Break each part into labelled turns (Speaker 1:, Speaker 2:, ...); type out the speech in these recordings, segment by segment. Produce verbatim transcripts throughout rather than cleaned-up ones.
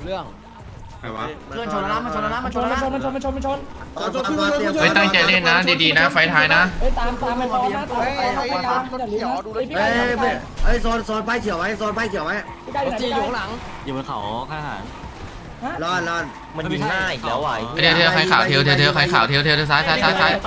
Speaker 1: เรื่อง
Speaker 2: ใครวะ
Speaker 3: เพื่อนชนแล้วนะมันชนแล้วนะมันชนแล้วนะมันชนมันชนมันชน
Speaker 4: เฮ้ยตั้งใจเล่นนะดีๆนะไฟท้ายนะ
Speaker 3: เฮ้ยตามตามไปพร้อมนะตามไปตามไปตามอย่าลืมนะเฮ้ย
Speaker 5: เฮ้ยเฮ้ยโซนโซนป้ายเขียวไว้โซนป้ายเขียวไว้
Speaker 3: พี่ไก่อยู่ไหน
Speaker 1: จีอยู่ข้างหลัง
Speaker 6: อยู่บนเขาข้างหาร
Speaker 5: รอดรอด
Speaker 6: มันยิงหน้าอีกแล้วว่ะ
Speaker 4: เดี๋ยวเดี๋ยวใครข่าวเทียวเทียวเทียวใครข่าวเทียวเทียวซ้ายซ้ายซ้ายซ้าย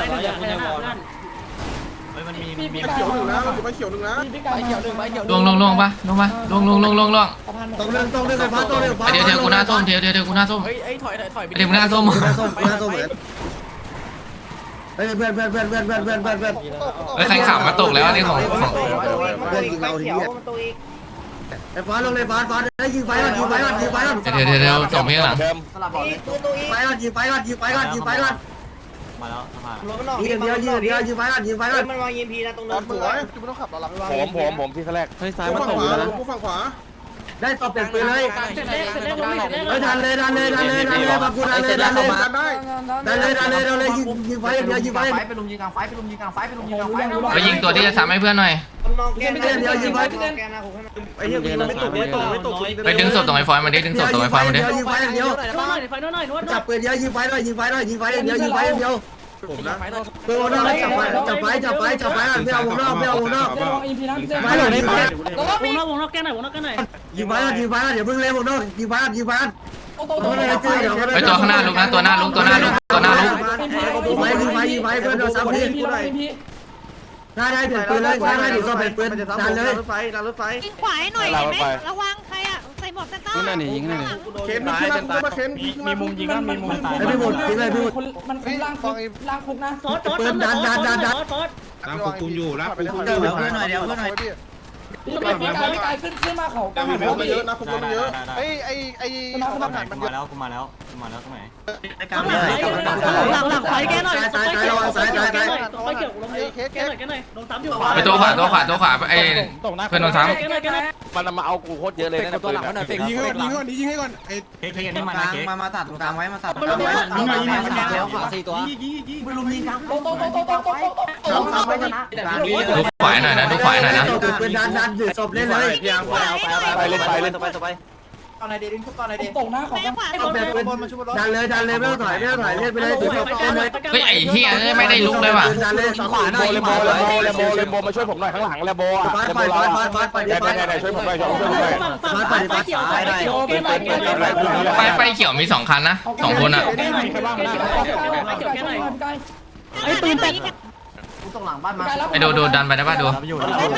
Speaker 6: มันมี
Speaker 3: พี่
Speaker 6: มี
Speaker 3: พี่ไก่
Speaker 2: เขียวหนึ่งนะอยู่ไปเขียวหนึ่งนะ
Speaker 3: พี่ไก่
Speaker 1: ไปเขียวหนึ่งไปเขียว
Speaker 4: ลงลงลงปะลงปะลงลงลงลงลง
Speaker 5: ตรงเรื่องตรงเรื่องไฟฟ้าตรงเรื่องฟ้า
Speaker 4: เดี๋ยวเทียวกูหน้าส้มเทียวเทียวเทียวกูหน้าส้ม
Speaker 1: เฮ้ยไอ้ถอยถอยถอย
Speaker 4: เดี๋ยวกูหน้าส้ม
Speaker 5: หน้าส้มหน้าส้มเหมือนเฮ้ยเพื่อนเพื่อนเพื่อนเพื่อนเพื่อนเพื่อนเพื่อนเพื่อน
Speaker 4: เฮ้ยใครข่าวมาตกแล้วอันนี้ของของ
Speaker 5: เพื่อนยิงเราทีนี้ไอ้ฟ้าลงเลยฟ้าฟ้าได้ยิงไฟก่อนยิงไฟก่อนยิงไฟก่อน
Speaker 4: เดี๋ยวเดี๋ยวเดี๋ยวส่งพี่ข้างหลัง
Speaker 3: สลับบอกเลย
Speaker 5: ไฟก่อนยิงไฟก่อนยิงไฟก่อนยิงไฟก่อน
Speaker 6: มาแล้วสะพาน
Speaker 5: ยิงเดียวยิงเดียวยิงไฟก่อนยิงไฟก่อน
Speaker 3: มันวางยิมพีนะตรง
Speaker 2: ต
Speaker 3: นั้
Speaker 2: อน
Speaker 3: น
Speaker 2: สวยจุ๊บไม่ต้องขับเราหลับ
Speaker 7: ผมผมผมที่แรก
Speaker 2: เฮ้ยซ้ายมาตกอยู่นะกูฝั่งขวา
Speaker 5: ได้ตบเปลี่ยนปืนเลย
Speaker 3: เสร็จแล้วเสร็จแล้วลงเสร็จแล้ว
Speaker 5: เฮ้ยดันเลยดันเลยดันเลยดันเลยบางกูดันเลยดันเลย
Speaker 2: ดันได้
Speaker 5: ดันเลยดันเลยดันเลยยิงยิงไฟเดียวยิงไฟ
Speaker 3: ไฟไปลุมยิงกลางไฟไปลุมยิงกลางไฟไปลุมยิงกลางไฟ
Speaker 4: ไปยิงตัวที่จะซ้ำให้เพื่อนหน่อย
Speaker 3: แกนเดียวยิงไฟแกนนะผมให้มัน
Speaker 2: ไอ้เหี้ยกูไม่ตกไม่ตกไม่ตก
Speaker 4: ไปดึงศพตรงไอ้ฟอยมาดิดึงศพตรงไอ้ฟอยมาดิ
Speaker 5: ยิงไฟเดียว
Speaker 3: นวดหน่อยไฟนวดหน่อยนวดหน่
Speaker 5: จั
Speaker 3: อบ ย
Speaker 5: ปืนเดียวยิงไฟหน่อยยิงไฟหน่อยยิงไฟเดียวยิงไฟเดียว
Speaker 2: ผมนะ
Speaker 5: ปืนวงนอกจับไฟจับไฟจับไฟจับไฟไม่เอาวงนอกไม่เอาวงนอก
Speaker 3: เดี๋ยววางอินพีนะพี่เต้
Speaker 5: ไม่หล่นไม่ไป
Speaker 3: วงนอกวงนอกแกนหน่อยวงนอกแกนหน่อย
Speaker 5: ยิงไฟยิงไฟเดี๋ยวเพิ่งเล่นวงนอกยิงไฟยิงไฟ
Speaker 3: โตโตโต
Speaker 4: ไปตัวข้างหน้าลุกนะตัวหน้าลุกตัวหน้าลุกตัวหน้าลุก
Speaker 5: ยิงไฟยิงไฟยิงไฟเพื่อนโดนซ้ำ
Speaker 3: อิ
Speaker 5: พี่
Speaker 3: นพีแล้วอินพี
Speaker 5: ได้ได้เปลี่ยนปืนเลยได้ได้เดี๋ยวซ้อมเปลี่ยนปืนดันเลย
Speaker 2: รถไฟดันรถไฟ
Speaker 8: ยิงขวาให้หน่อยเห็นไหมระวังใครอ่ะใส่หมวกสต๊อก
Speaker 7: นั่นนี่ยิงนั่นนี่
Speaker 2: เข็นมีขึ้นมามาเข็นมีมุมยิง
Speaker 3: มันมัน
Speaker 5: ไอ้พี่หมดทิ้งเลยพี่หมด
Speaker 3: มันคุมล่างคุมล่างคุกนะ
Speaker 5: ปืนดันดันดันดัน
Speaker 2: ตามกูกูอยู่รับกูกู
Speaker 5: เดี๋ยวเพื่อนหน่อยเดี๋ยวเพื่อนหน่อย
Speaker 3: พี่พี่กายพี่กายขึ้นขึ้นมาเขากลางหัน
Speaker 2: มันเยอะนะกูมันเยอะ
Speaker 7: ไอ้ไอ้ไอ้
Speaker 6: กูมาแล้วกูมาแล้วกูมาแล้วตรงไหน
Speaker 5: กลางเลย
Speaker 3: หลังหลังไฟแกหน่อย
Speaker 5: ตายตายระวังสายตายตาย
Speaker 3: ไฟเขียวลงเยอะแกหน่อยแกหน่อยลงซ้ำอยู่
Speaker 4: ไปตัวขวาตัวขวาตัวขวาไอ้เพื่อนโดนซ้
Speaker 3: แกหน่อยแกหน่อย
Speaker 7: มันมาเอากูโคตรเยอะเลยนะ
Speaker 2: ตัวหลังหน่อยเฟกยิงให้ก่อนยิงให้ก่อนยิงให้ก่อนไอ้
Speaker 6: เค้กเค้กอันนี้มานะเค้ก
Speaker 5: มามาตัดตรงกลางไว้มาตัดตรง
Speaker 3: มัน
Speaker 5: ก
Speaker 3: ล
Speaker 5: ลาง
Speaker 3: ง
Speaker 5: ไว้
Speaker 3: ยิงมันยิง
Speaker 1: แล้วขวาสี่ตัว
Speaker 3: ไปลุมยิงกลางโตโตโตโตโตโตโต
Speaker 5: ซ้ำซ้ำไว้กันนะ
Speaker 4: ำดูขวาหน่อยนะดูขวาหน่อยนะ
Speaker 5: ปืนดันดันถือศพเล่นเลย
Speaker 7: ไปเล่นไปเล่น
Speaker 3: ตอนไหนเดดิ้งทุกตอนไหนเดตกนะของ
Speaker 8: แม่ขวา
Speaker 5: ศพเป็นปืนดันเลยดันเลยไม่ต้องถอยไม่ต้องถอยเล่นไปเลยถือศพเล่นเลย
Speaker 4: เฮ้ยไอ้เฮียไม่ได้ลุกเลยว่ะ
Speaker 5: ดันเลยสองขวาหน่อย
Speaker 7: เลโบเลโบเลโบเลโบมาช่วยผมหน่อยข้างหลังเลโบอ่ะ
Speaker 5: ฟาด
Speaker 7: เล
Speaker 5: ไป
Speaker 7: โบเรา
Speaker 5: ฟาดฟาดฟาดฟาด
Speaker 7: ไหนไหนไหนช่วยผมหน่อยช่วยผมหน่อย
Speaker 3: ฝั่งฝั่งไฟเขียวไฟเขียวแกหน่อยแกหน่อย
Speaker 4: ไฟไฟเขียวมีสองคันนะสองคนอ่ะ
Speaker 3: แกหน่อยแกหน่อยไฟเขียวแกหน่อยไกล
Speaker 8: ไอ้ปืนเป็ด
Speaker 3: กูตรงหลังบ้านมา
Speaker 4: ไอ้ดูดูดันไปได้ป่ะดู
Speaker 6: อยู่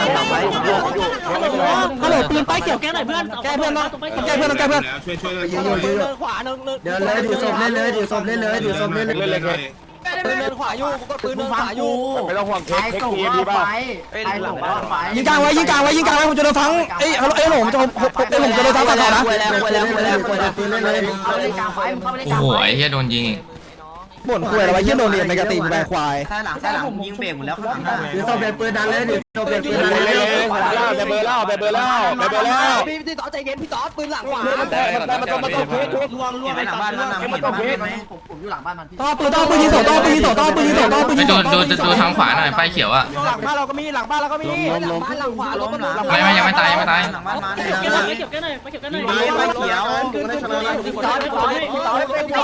Speaker 3: ฮัลโหลปืนไฟเขียวแกหน่อยเพื่อนแกเพื่อนเนาะแกเพื่อนแกเพื่อน
Speaker 2: ช่วยช่วย
Speaker 5: ยิงอยู่ยิงอยู่
Speaker 1: ขวาเนิน
Speaker 5: เดินเลยถือศพเล่นเลยถือศพเล่นเลยถือศพเล่นเลย
Speaker 7: เล่นเลยเค้ก
Speaker 1: ปืนเนินขวาอยู่กูก็ปืนเนินขวาอยู่
Speaker 7: ไม่ต้องห่วงเค้กเค้กทีดีป่ะ
Speaker 3: ไอ้หลังบ้านไฟ
Speaker 9: ยิงกลางไว้ยิงกลางไว้ยิงกลางไว้ผมจะโดนฟังเอ้ยเอ้ยหลงจะเอ้ยหลงจะโดนฟังต่อนะ
Speaker 5: คุยแล้วคุยแล้วคุยแล้วคุยแล้วปืนเล่นเลย
Speaker 3: เข้าไปเล่นกลางไฟเข้าไปเล่นกลาง
Speaker 4: โอ้โห
Speaker 3: ไฟ
Speaker 4: ไอ้เฮียโดนยิง
Speaker 9: บ่นคุยอะไรวะยี่โดนเรียนในกระติมแบควาย
Speaker 3: ใช่หลังใช่หลังยิงเบรกหมดแล้วข้างหลัง
Speaker 5: ถือศพเป็นปืนดันเลยถือศพเป็นปืนดัน
Speaker 7: เล่น
Speaker 5: เล
Speaker 7: เลย
Speaker 5: ย
Speaker 7: เบเบอร์แล้วเบเบอร์แล้วเบเบอร์แล้ว
Speaker 1: พี่พี่ต่อใจเย็นพี่ต่อปืนหลังขวา
Speaker 7: แต่แต่มันต้องมันต้องเค้กเค้ก
Speaker 1: ล่วงล่วง
Speaker 3: หลังบ้านมันหลัง
Speaker 7: มันต้องเค้ก
Speaker 3: ผมผมอยู่หลังบ้านมันพี่
Speaker 9: ต่อปืนต่อปืนยิงสองต่อปืนยิงสองต่อปืนยิงสองต่อปืน
Speaker 4: ไป
Speaker 9: ยิงส
Speaker 4: ดู
Speaker 9: องต่อ
Speaker 4: ดูดูทางขวาหน่อยไฟเขียวอ่ะ
Speaker 1: หลังบ้านเราก็มีหลังบ้านเราก็มีหลังบ้านหลังขวาล้มหลัง
Speaker 4: ไม่ไม่ยังไม่ตายยังไม่ตาย
Speaker 3: หลังบ้านมัน
Speaker 1: เก็บหน่อยเก็บกันหน่อยเก็บกันหน่อย
Speaker 2: ไฟเขียวกูได้ชนะแล้ว
Speaker 1: พี่ต่อพี่ต่อพี่ต่อ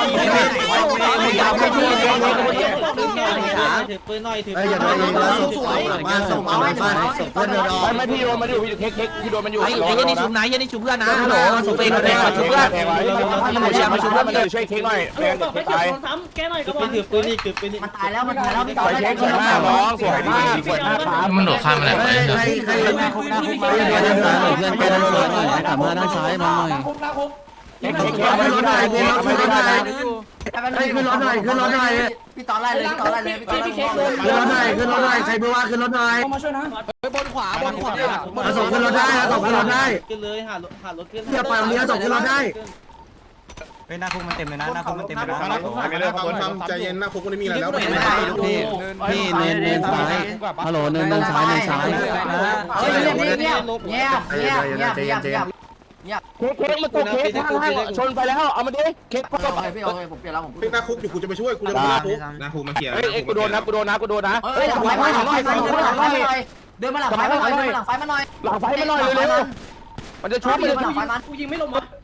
Speaker 1: ถือปืนหน่อยถือ
Speaker 5: เฮ้ยอย่าโดนยิงแล้วศพหลังบ้านศพหลังบ้านศพเพื่อนโดน
Speaker 7: ไม่ไม่พี่โดนมันอยู่พี่เค้กเค้กพี่โดนมันอยู่
Speaker 1: ไอ้ไอ้ยันนี่ชุบไหนยันนี่ชุบเพื่อนนะ
Speaker 5: ฮัลโหลศพเพื่อนโดนชุบเพื่อน
Speaker 7: มันอย่ามาชุบเพื่อนมันเลยช่วยเค้กหน่อยแรง
Speaker 1: ไป
Speaker 7: ตาย
Speaker 1: เก็บซ้ำแกหน่อยก็พอถือปืนนี่ถือปืนนี่
Speaker 3: มันตายแล้วมันตายแล้วพี่
Speaker 7: สวยเค้กสวยมากน้องสวยมากสวยมากครับ
Speaker 4: มันโดดข้ามไปไหน
Speaker 5: ใค
Speaker 4: ไป
Speaker 5: รใครใครเพื่อนด้านซ้ายหน่อยเพื่อนไปด้านซ้ายหน่อยกลับมาด้านซ้ายมาหน่อย
Speaker 3: คุกนะคุก
Speaker 7: เค้กเค้กเค้ก
Speaker 5: ขึ้นรถหน่อยขึ้นรถขึ้นรถหน่อย
Speaker 3: ให้ขึ้นรถหน่อยขึ้นรถหน่อยพี่ต่อไล่เลยพี่ต่อไล่เลยพี่พี่เค้กเลย
Speaker 5: ขึ้นรถหน่อยขึ้นรถหน่อยใครไม่ว่าขึ้นรถหน่อย
Speaker 3: เข้ามาช่วยนะ
Speaker 1: บนขวาบนขวา
Speaker 5: เอาส่งขึ้นรถได้เอาส่งขึ้นรถได้
Speaker 1: ขึ้นเลยหารถหารถขึ้น
Speaker 5: อย่าปล่อยเรือส่งขึ้นรถได้
Speaker 6: เฮ้ยหน้าคุกมันเต็มเลยนะหน้าคุกมันเต็มเลยนะ
Speaker 2: ไม่ได้คนทำใจเย็นนะคุกไม่มีอะไรแล้ว
Speaker 9: พี่พี่เน้นเน้นซ้ายฮัลโหลเน้นเน้นซ้ายเน้นซ้าย
Speaker 3: เฮ้ยเงียบเงียบเงียบเงียบเงียบเงียบเงียบ
Speaker 7: เค้กเค้กมาตัวเค้กข้างล่างชนไปแล้วเอามาดิเค้ก
Speaker 3: โอเคพี่โอเคผมเปลี่ยนแล้วผม
Speaker 2: เป็นหน้าคุกอยู่กูจะไปช่วยกูจะไปหน้าคุกหน้าคุกมาเขียน
Speaker 7: เฮ้ยเอ็กกูโดนนะกูโดนนะกูโดนนะ
Speaker 3: เฮ้ยหลังไฟมาหลังไฟมาหลังไฟมาหน่อยเดินมาหลังไฟมาหน่อยเดินมาหลังไฟมาหน่อย
Speaker 7: หลังไฟมาหน่อยเร็วๆมันจะชุบมันจะ
Speaker 3: หลั
Speaker 7: ชุ
Speaker 3: ง
Speaker 7: บ
Speaker 3: ไฟมัน
Speaker 1: กูยิงไม่ลงวะ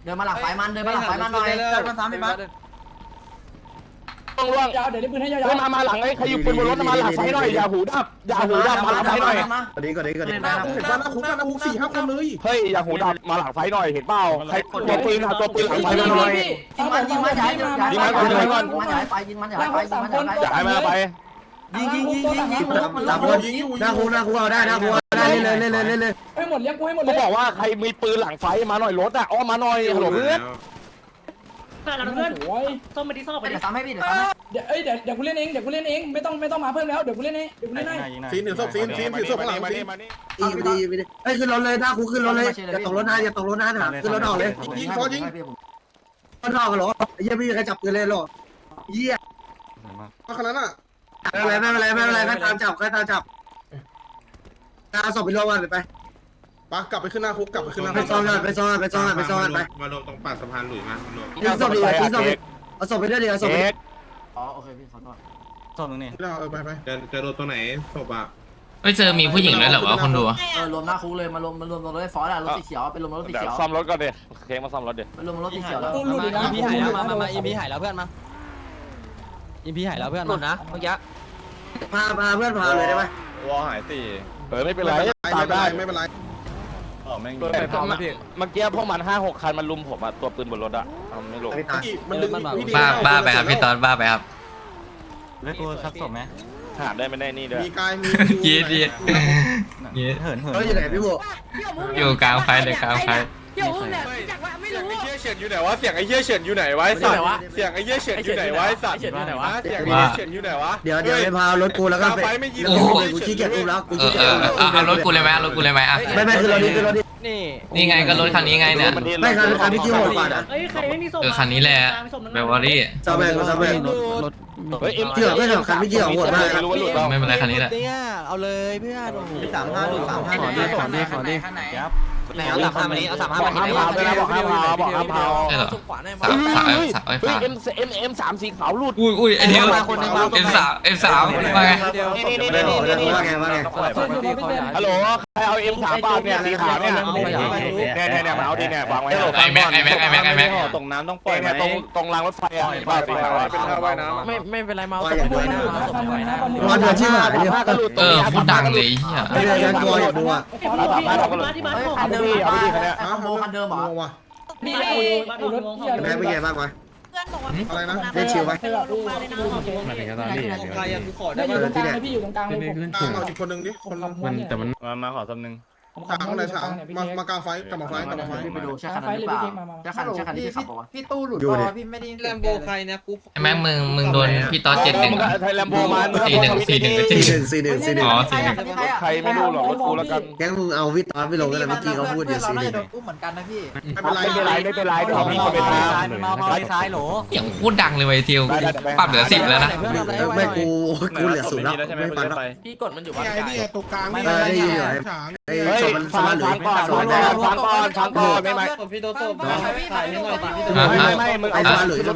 Speaker 3: เดินมาหลังไฟมันเดินมาหลังไฟมันหน่อยเดินมาซ้ำไปบ้าน
Speaker 7: ต้องล่วงเดี๋ยวนี้ปืนให้ยาวๆมามาหลังไอ้ใครอยู่ปืนบนรถมาหลังไฟหน่อยอย่าหูดับอย่าหูดับมาหลังไฟหน่อย
Speaker 5: ก่อนนี้ก่อนนี้ก่อนนี้
Speaker 2: หน้าคุกเห็นป่ะหน้าคุกหน้าคุกสี่ห้าคนเลย
Speaker 7: เฮ้ยอย่าหูดับมาหลังไฟหน่อยเห็นเปล่าใครตัวปืนหาตัวปืนหลังไฟหน่อย
Speaker 3: ยิงมันยิงมันย้ายย้ายไปยิงมันย้ายไปยิงมันย้ายไปยิงมันย้ายไป
Speaker 7: อย่าให้มาไป
Speaker 3: ยิงยิงยิงยิงยิงมัน
Speaker 5: หน้าคุกหน้าคุกหน้าคุกเอาได้หน้าคุกเอาได้เลยเลยเลยเลยเลย
Speaker 7: ให้หมดเลี้ยงกูให้หมดเลยบอกว่าใครมีปืนหลังไฟมาหน่อยรถอ่ะอ้อมาหน่อยฮัลโหลเพื่อน
Speaker 8: เพื่อนเราเพื่อนส้มไปที่ส้มไป
Speaker 3: เดี๋
Speaker 8: ดิ
Speaker 3: ยวซ้ำให้พี่เดี๋ยวซ้ำให้
Speaker 10: เดี๋ยวเอ้ยเดี๋ยวเดี๋ยวกูเล่นเองเดี๋ยวกูเล่นเองไม่ต้องไม่ต้องมาเพิ่มแล้วเดี๋ยวกูเล่นเองเดี๋ยวกูเล่นให้
Speaker 2: ซีนหนึ่งศพซีนซีนซีนศพข้างหลังซีน
Speaker 5: อีไปดีไปดีเฮ้ยขึ้นรถเลยหน้าคุกขึ้นรถเลยอย่าตกรถนะอย่าตกรถนะนะขึ้นรถออกเลย
Speaker 2: ยิงฟอยิง
Speaker 5: รถออกกันหรอเยี่ยไม่มีใครจับปืนเลยหรอเยี่ย
Speaker 2: ขนาดนั้นอ่ะ
Speaker 5: ไม่เป็นไรไม่เป็นไรไม่เป็นไรใครตามจับใครตามจับตาศพไปรวมกันเลยไป
Speaker 2: ปะกลับไปขึ้นหน้าคุกกลับไปขึ้นหน้า
Speaker 5: ไปซ้อนกันไปซ้อนกันไปซ้อนกันไปซ้อนกันไป
Speaker 2: มารวมตรงปากสะพานหลุยมารวม
Speaker 5: ทิ้งศพดิทิ้งศพดิเอาศพไปด้วยดิเอาศพไป
Speaker 3: อ๋อโอเคพี่ขอโทษ
Speaker 6: ศพตรงนี้
Speaker 2: เออไปไปจะจะโดนตรงไหนศพอ่ะ
Speaker 4: เฮ้ยเจอมีผู้หญิงด้วยเหรอวะคนดู
Speaker 3: เออรวมหน้าคุกเลยมารวมมารวมรถไฟฟ้าอะรถสีเขียวเป็นรวมรถสี
Speaker 7: เดี๋ยว
Speaker 3: เขียว
Speaker 7: ซ่อมรถก่อนดิเค้กมาซ่อมรถดิ
Speaker 3: เป็นรวมรถสีเขียวแล้ว
Speaker 10: ตู้หลุดอีกนะ
Speaker 1: อีพีหายแล้วมามามาอีพีหายแล้วเพื่อนมาอีพีหายแล้วเพื่อนหลุดนะเมื่อกี้
Speaker 5: พาพาเพื่อนพาเลยได้ไหม
Speaker 7: วอหายสี่เออไม่เป็นไร
Speaker 2: ไม่
Speaker 7: ตาม
Speaker 2: เป็น
Speaker 7: ได้
Speaker 2: ไรไม่เป็นไร
Speaker 7: เมื่อกี้พวกมันห้าหกคันมันลุมผมอ่ะตัวปืนบนรถอ่ะไม่ลง
Speaker 5: ไม่ตาย
Speaker 2: มันดึง
Speaker 4: บ้าบ้าไปครับพี่ตอนบ้าไปครับ
Speaker 6: เล่นกูซักศพไหม
Speaker 7: หาได้ไม่ได้นี่ด้วย
Speaker 2: มีกายมี
Speaker 4: ยีดยีดยีด
Speaker 6: เหินเหิน
Speaker 5: เฮ้ยอยู่ไหนพี่บัว
Speaker 4: อยู่กลางไฟเลยกลางไฟ
Speaker 8: เดี๋ยวอุ้มเนี่ยจากว่าไม่รู้
Speaker 7: ไอ้เหี้ยเฉินอยู่ไหนวะเสียงไอ้เหี้ยเฉินอยู่ไหนวะไอ้สัตว์เสียงไอ้เหี้ยเฉินอยู่ไหนวะไอ้สัตว์เสียงไอ้เหี้ยเฉินอยู่ไหนวะ
Speaker 5: เดี๋ยวเดี๋ยวไปพารถกูแล้วก็ไปกูขี้เกียจอุ้มแล้วกู
Speaker 4: เอ
Speaker 5: ขี้
Speaker 4: อ
Speaker 5: เกี
Speaker 4: เอย
Speaker 5: จ
Speaker 4: อเอาเอารถกูเลยไหมเอารถกูเลยไหมอ่ะ
Speaker 5: ไม่ไม่คือรถนี้คือรถนี้
Speaker 1: นี่
Speaker 4: นี่ไงก็รถคันนี้ไงเนี่ย
Speaker 5: ไม่คันคันที่คิวโหดกว่านะ
Speaker 8: เอ้ยใครไม่มีส้ม
Speaker 4: เออคันนี้แหละเบลวอรี่
Speaker 5: ซาแบงซาแบง
Speaker 9: รถ
Speaker 7: เฮ้ยเอ็ม
Speaker 5: เกี่ยวไม่เกี่ยวคันไม่เกี่ยวโหดมาก
Speaker 7: ไม่รู้ว่าหลุดเปล่า
Speaker 4: ไม่เป็นไรคันนี้แหละ
Speaker 1: เนี่ยเอาเลยเพื่อนโอ้โห
Speaker 5: สามห้าดูสามห้า
Speaker 9: ขอดิขอดิขอดิ
Speaker 6: ครับ
Speaker 1: ไหนเอาสามห้ามานี้เอาสามห้า
Speaker 7: บอก
Speaker 1: มา
Speaker 7: ห้าม
Speaker 1: นี้
Speaker 7: พาวด้วยนะบอกห้ามพาวบอกห้ามพาว
Speaker 4: ใช่เหรอ
Speaker 1: ขวาหน่อย
Speaker 4: สามสาม
Speaker 7: เฮ้ย
Speaker 4: สามไอ้
Speaker 7: เฮ้ย
Speaker 4: ฟ้า
Speaker 7: เอ็มเอ็มเอ็มสามสีขาวหลุด
Speaker 4: อุ้ยอุ้ยไอเดียวเอ็มสามเอ็มสามว่าไง
Speaker 7: นี่นี่
Speaker 5: ไม่
Speaker 7: นี่
Speaker 5: บอก
Speaker 7: นี่
Speaker 5: นะ
Speaker 7: นี่
Speaker 5: ว่าไงว่าไง
Speaker 7: ฮัลโหลใครเอาเอ็มสามบาทเนี่ยสีขาวเนี่ยเนี่ยเนี่ยเนี่ยมาเอาดิเนี่ยวางไว้
Speaker 4: ไอแม็กไอแม็กไอแม็กไอแม็ก
Speaker 7: ตรงน้ำต้องปล่อยเนี่ยตรงตรงรางรถไฟอ่ะบ้าสีขาวเป็นท่าว่ายน้ำ
Speaker 1: ไม่ไม่เป็นไรมา
Speaker 5: ว่าอย่างด้วยนะรอเดือดชิบหายเลย
Speaker 4: เออพูดดังเลยเฮีย
Speaker 5: ไม่ได้ยังตัวอยู่ดูอ่ะ
Speaker 8: ที่บ้าน
Speaker 3: เฮ้ย
Speaker 8: ผม
Speaker 3: คันเดิมคันเดิมโมคันเดิมเหรอ
Speaker 2: ว่ะ
Speaker 10: มีไอ้ไอ้รถเหี้ย
Speaker 5: แม่เป็นไงบ้างวะ
Speaker 8: เพื่อนบอกว่า
Speaker 2: อะไรนะ
Speaker 5: ได้ชิวไหม
Speaker 8: ไปรอลงมาเลยนะ
Speaker 9: มาถึงตอนนี้
Speaker 1: ใครยังกูขอ
Speaker 10: ได้
Speaker 1: ได้
Speaker 10: อยู่
Speaker 1: ป่ะ
Speaker 10: ตรงกลางเลยพี่อยู่ตรงกลางเลยผม
Speaker 9: ขึ้น
Speaker 2: ก
Speaker 9: สู
Speaker 2: ลาง
Speaker 9: ง
Speaker 2: เอาอีกคนนึงดิคน
Speaker 9: มันแต่มัน
Speaker 7: มามาขอซ้ำนึง
Speaker 2: กลางคนไหนฉางมามากลางไฟกลับมาไฟกลับมาไฟ
Speaker 3: ไปดูใช่คันนั้นหรือเปล่าใช่คันใช่คันที่ขับบอกว่า
Speaker 1: พี่ตู้หลุด
Speaker 5: อยู่เนี่ย
Speaker 1: พี่ไม่ได้แลมโบใครเนี่ยกู
Speaker 4: ไอแม็กมึงมึงโดนพี่ตอนเจ็ดหนึ่ง
Speaker 7: ไทยแลมโบมา
Speaker 4: สี่หนึ่งสี่หนึ่ง
Speaker 5: สี่หนึ่งสี่หนึ่งสี่หนึ่ง
Speaker 4: อ๋อสี่หนึ่ง
Speaker 7: ใครไม่รู้หรอกกูแล้วกัน
Speaker 5: แก๊งมึงเอาวิตอนไปลงกันเลยเมื่อกี้เขาพูดอยู่สี่หนึ่ง
Speaker 1: อุ้มเหมือนกันนะพี่
Speaker 2: ไม่เป็นไร
Speaker 7: ไม่เป็นไรไม่เป็นไรเดี๋ยวมีคนไปท
Speaker 6: มามาไปซ้ายโหล
Speaker 4: อย่างพูดดังเลยไวทิวปรับเหลือสิบแล้วนะ
Speaker 5: ไม่กูกูเหลือศูนย์แล้วไม่ฟังแล้ว
Speaker 1: พี่กดมันอยู่บ้าน
Speaker 2: ไอ้นี่ตรงกลาง
Speaker 5: เออได้ยินอยู่ไอ้
Speaker 2: ฉาง
Speaker 5: ไอ้
Speaker 7: ำเฮ้ย
Speaker 5: ศพมันส
Speaker 7: ฟัง
Speaker 5: มาร์ทหรือ
Speaker 7: ฟังก่อน
Speaker 5: สมาร์ทได้
Speaker 7: ฟังก่อนฟังก่อนไม่ไม่
Speaker 1: พี่โตโต้ถ่ายให้หน่อยพี่
Speaker 7: ไม่ไม่มึงเอา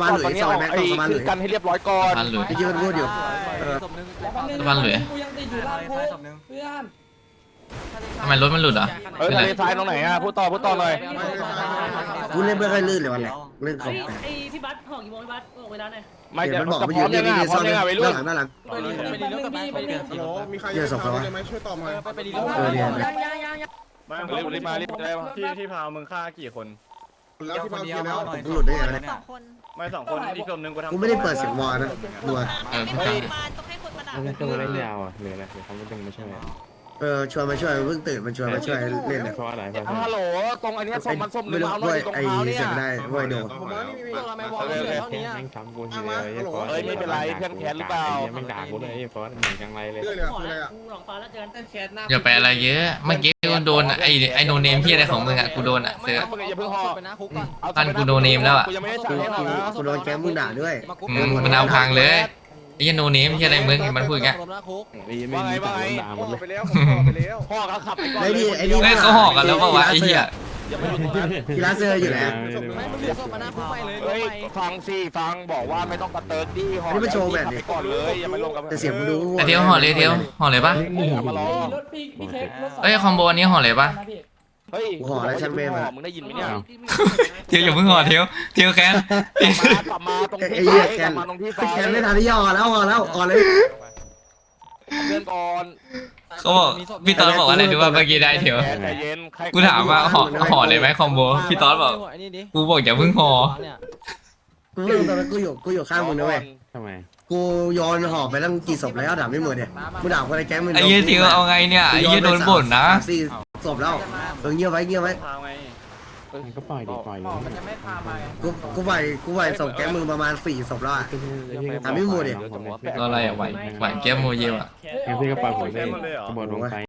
Speaker 7: กันให้เรียบร้อยก่อน
Speaker 4: บ้านหลุย
Speaker 5: เมื่อกี้มันพูดอยู่เออ
Speaker 10: กูยังติดอยู่ล่างโค้งเพื่อน
Speaker 4: ทำไมรถมันหลุดอ่ะ
Speaker 7: เออทะเลทรายตรงไหนอ่ะพูดต่อพูดต่อหน่อย
Speaker 5: กูเล่นไม่ค่อยลื่นเลยวันแรกเล่นของแปลก
Speaker 8: ไอ้พี่บัสห่อกี่โมงพี่บัสบอกเวลาหน่อย
Speaker 7: ไม่
Speaker 5: เดี๋
Speaker 7: เดี๋
Speaker 5: ย
Speaker 7: ยว ว
Speaker 5: มันบอก
Speaker 7: จะ
Speaker 5: มัน
Speaker 7: พ
Speaker 5: อ
Speaker 7: ร้อยู่ ม
Speaker 5: นี่
Speaker 7: ยังไง
Speaker 5: นี่
Speaker 7: พร้อ
Speaker 5: ซ่อ
Speaker 7: ม
Speaker 5: น
Speaker 7: ยังไงวัยรุ่
Speaker 5: ด้าน นหลังด้านหลัง
Speaker 1: ไปรีไปรีรถกลับไปไปรี
Speaker 2: ฮัลโหลมีใครช่วยต่อไหมไปรี
Speaker 5: เออเนี่ย
Speaker 8: ยังยังยังยัง
Speaker 7: มารีบรีบมารีบได้ที่ที่พาวมึงฆ่ากี่คน
Speaker 2: แล้วที่มาเกียร์แล้ว
Speaker 5: กูหลุดได้ไงเนี่ย
Speaker 8: สองคน
Speaker 7: ไม่สองคนอีกคนนึงกูทำ
Speaker 5: กูไม่ได้เปิดเสียงวอลนะนัว
Speaker 4: เออ
Speaker 8: ไม่เคยมาต้องให้คนมาด่า
Speaker 9: มันคือเล่นยาวอ่ะหรืออะไรหรือเขาไม่ดึงไม่ใช่
Speaker 5: เออชวนมาช่วยเพิ่งตื่นมาชวนมาช่วยเล่นเนี่ย
Speaker 9: เพราะอะไรเพราะ
Speaker 7: ฮัลโหลตรงอันนี้ส้มมันส้ม
Speaker 5: ไม่รู้
Speaker 7: เอาหน่
Speaker 5: ด้
Speaker 7: อ
Speaker 5: วย ย
Speaker 7: ตรง
Speaker 5: ไอ้
Speaker 7: เท้าเนี่ย
Speaker 5: เสียงได้ด้วยโด
Speaker 2: ผมว่านี่มี
Speaker 1: ทำไมบอกเหลือเท่านี้
Speaker 9: แม่งซ้ำกูที
Speaker 7: เฮ้ยไม่เป็นไรเพื่อนแค้นหรือเปล่า
Speaker 9: แม่งด่ากูเลยไอ้ฟอสเหมือนจังไรเลย
Speaker 2: เรื่อยเลย
Speaker 8: ห่อ
Speaker 2: คืออะไร
Speaker 8: แล้ว
Speaker 2: อ่ะ
Speaker 8: กูหลงฟ้าแล้วเจอกัน
Speaker 1: แคสหน้า
Speaker 4: อย่าไปอะไรเยอะเมื่อกี้กูโดนไอไอโนเนมพี่อะไรของมึงอ่ะกูโดนอ่ะเสือ
Speaker 7: อย่าเพิ่งห่อ
Speaker 1: ไปนะคุกก่อน
Speaker 4: ท่านกูโดนเนมแล้วอะ
Speaker 7: กูยังไม่ได้
Speaker 5: กู
Speaker 7: จ่ายให้หรอกนะ
Speaker 5: กูโดนแก๊งมึงด่าด้วย
Speaker 4: อืมมันเอาพังเลยไอ้ยันโนเนมที่อะไรมึงมันพูดอย่างเงี้ย
Speaker 9: ดีไม่มีแต่ด่าหมดเลย
Speaker 2: ไปแล้วผมต่อไปแล้ว
Speaker 7: พ่อก็ขับไปก่อน
Speaker 5: ไอ้
Speaker 7: เล
Speaker 5: นี่
Speaker 7: ย
Speaker 5: ไอ้นี่
Speaker 4: เฮ้ยเขาห่อกันแล้วเปล่าวะไอ้เหี้ย
Speaker 7: อย่ามาอยู่ตรงนั้น
Speaker 5: กีฬาเซอร์อยู่แล้ว
Speaker 1: ไม่มึงดูศพมาหน้าคุกไปเลย
Speaker 7: เฮ้ยฟังสิฟังบอกว่าไม่ต้องกระเติร์ดดิห่อก่อนเลยอย่ามาลงกับ
Speaker 5: แต่เสียงมึงดู
Speaker 4: แต่เที่ยวห่อเลยเที่ยวห่อเลยปะ
Speaker 7: อย่ามาล้อ
Speaker 10: รถพี่พี่เค้กรถ
Speaker 4: เอ้ยคอมโบอันนี้ห่อเลยปะ
Speaker 7: เฮ้ย
Speaker 5: กูห่อแล้วช่างเมย์มา
Speaker 7: มึงได้ยินไหมเนี่ย
Speaker 4: เทียวอย่าเพิ่งห่อเทียวเทียวแคน
Speaker 7: กลับมาตรง
Speaker 5: ไอ้
Speaker 7: ที่
Speaker 5: เหี้ย
Speaker 7: ไฟ
Speaker 5: แก
Speaker 7: กลั
Speaker 5: น
Speaker 7: บมาตรงที่ไฟ
Speaker 5: แกนไม่ทันที่ย่อแล้วอ่อนแล้วอ่อนเลย
Speaker 7: เพื่อนก่อน
Speaker 4: เขาบอกพี่ตอนบอกว่าอะไรดูว่าเมื่อกี้ได้เทียว
Speaker 7: แกใจเย็น
Speaker 4: กูถามว่าห่อห่อเลยไหมคอมโบพี่ตอนบอกกูบอกอย่าเพิ่งห่อ
Speaker 5: กูเรื่องตอนนั้นกูอยู่กูอยู่ข้างมึงนะเว้ย
Speaker 9: ทำไม
Speaker 5: กูย้อนหอบไปตั้งกี่ศพแล้วด่าไม่หมดเนี่ยกูด่าคนในแก๊งมึง
Speaker 4: ไอ้เหี้ยเทียวเอาไงเนี่ยไอ้เหี้ยโดนบ่นนะ
Speaker 5: สี่ศพแล้วเออเงียบไว้เงียบไว้
Speaker 9: มันก็ปล่อยดิปล่อยเลย
Speaker 5: กูกูไปกูไปศพแก๊งมึงประมาณสี่ศพแล้วอ่ะ ถามพี่หมูดิ
Speaker 4: ก็อะไรอ่ะไหวไหวแก้มโมเยลอ่ะ
Speaker 9: งั้นพี่ก็ปล่อยผมเลยกระโดดลงไป